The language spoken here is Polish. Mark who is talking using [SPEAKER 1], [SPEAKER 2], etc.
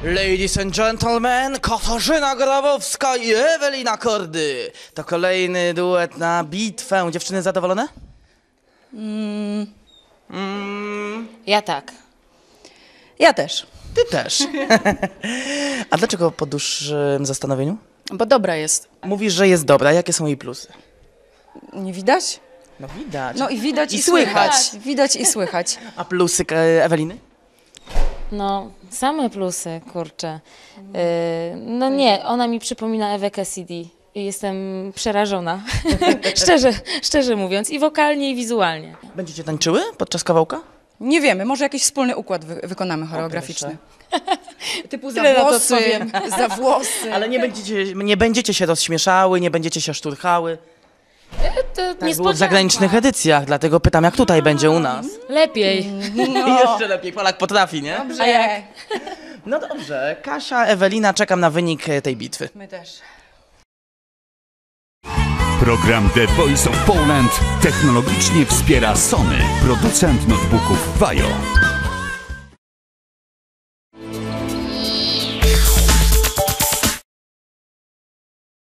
[SPEAKER 1] Ladies and gentlemen, Katarzyna Grabowska i Ewelina Kordy. To kolejny duet na bitwę. Dziewczyny zadowolone?
[SPEAKER 2] Ja tak.
[SPEAKER 3] Ja też,
[SPEAKER 1] Ty też. A dlaczego po dłuższym zastanowieniu?
[SPEAKER 3] bo dobra jest.
[SPEAKER 1] Mówisz, że jest dobra. Jakie są jej plusy?
[SPEAKER 3] Nie widać?
[SPEAKER 1] No widać.
[SPEAKER 3] No i widać i
[SPEAKER 1] słychać.
[SPEAKER 3] słychać. Widać i słychać.
[SPEAKER 1] A plusy Eweliny?
[SPEAKER 2] No, same plusy, kurczę. No nie, ona mi przypomina Ewę Cassidy i jestem przerażona, szczerze mówiąc, i wokalnie, i wizualnie.
[SPEAKER 1] Będziecie tańczyły podczas kawałka?
[SPEAKER 3] Nie wiemy, może jakiś wspólny układ wykonamy choreograficzny. Typu za
[SPEAKER 2] Tyle na to
[SPEAKER 3] włosy,
[SPEAKER 2] powiem.
[SPEAKER 3] za włosy.
[SPEAKER 1] Ale nie będziecie się rozśmieszały, nie będziecie się szturchały.
[SPEAKER 2] To
[SPEAKER 1] Tak było w
[SPEAKER 2] niespodzianka.
[SPEAKER 1] zagranicznych edycjach, dlatego pytam, jak tutaj będzie u nas.
[SPEAKER 2] Lepiej.
[SPEAKER 1] I jeszcze lepiej, Polak potrafi, nie?
[SPEAKER 3] Dobrze.
[SPEAKER 2] A jak?
[SPEAKER 1] No dobrze, Kasia, Ewelina, czekam na wynik tej bitwy.
[SPEAKER 3] My też.
[SPEAKER 4] Program The Voice of Poland technologicznie wspiera Sony, producent notebooków Vajo.